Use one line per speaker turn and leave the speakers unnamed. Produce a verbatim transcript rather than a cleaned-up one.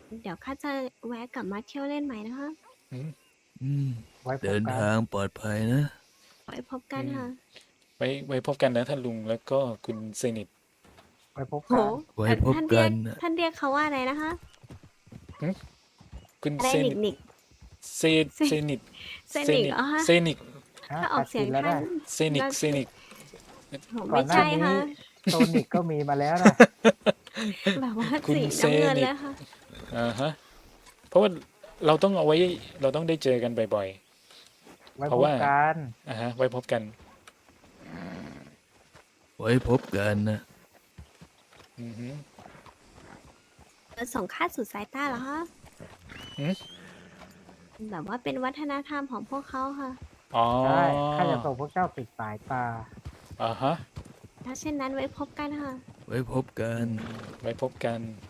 เดี๋ยวข้าจะแวะกลับมาเที่ยวเล่นใหม่นะคะ
อืม
อืม
ไว้พ
เดิ
บ
น
กัน
ทางปลอดภัยนะ
ไว้พบกัน
อืม
ค่ะ
ไว้ไว้พบกันนะท่านลุงแล้วก็คุณเซนิต
ไว้พบ
โห
กัน
ไว้
เอ่อ
พบ
ท่าน
กั
เรียก
นน่ะ
ท่านเรียกเขาว่าอะไรนะคะ
คุณ
อะไร
เซ
หนิ
นิ
ก
ต
หนิก
เซ
เซ
เซนิต
เซนิกเหรอคะ
เซนิก
ฮะ
ถ้าออกเสียง
ตัดสินแล้ว
ท่าน
นะ
เซนิก
น่า
เซนิก
โห
ก่อ
ไม่
นหน้า
ใช่
นี้
ค่ะ
โซนิกก็มีมาแล้วนะ
แบบว่า
คุณ
สี
เซ
น้ำเงิน
นิ
เล
ก
ยค่ะ
อ่าฮะ เพราะว่าเราต้องเอาไว้ เราต้องได้เจอกันบ่อย
ไว้
ๆ เพ
พ
ราะ
บ
ว่า
กัน
อ่าฮะ ไว้พบกัน
ไว้พบกันนะ
อือฮึ
จะส่งข้าสู่สายตาเหรอคะ
หือ
แบบว่าเป็นวัฒนธรรมของพวกเขาค่ะ
อ๋อ
ใช่ ข้าจะส่งพวกเจ้าปิดสายตา
อ่าฮะ
ถ้าเช่นนั้นไว้พบกันค่ะ
ไว้พบกัน
ไว้พบกัน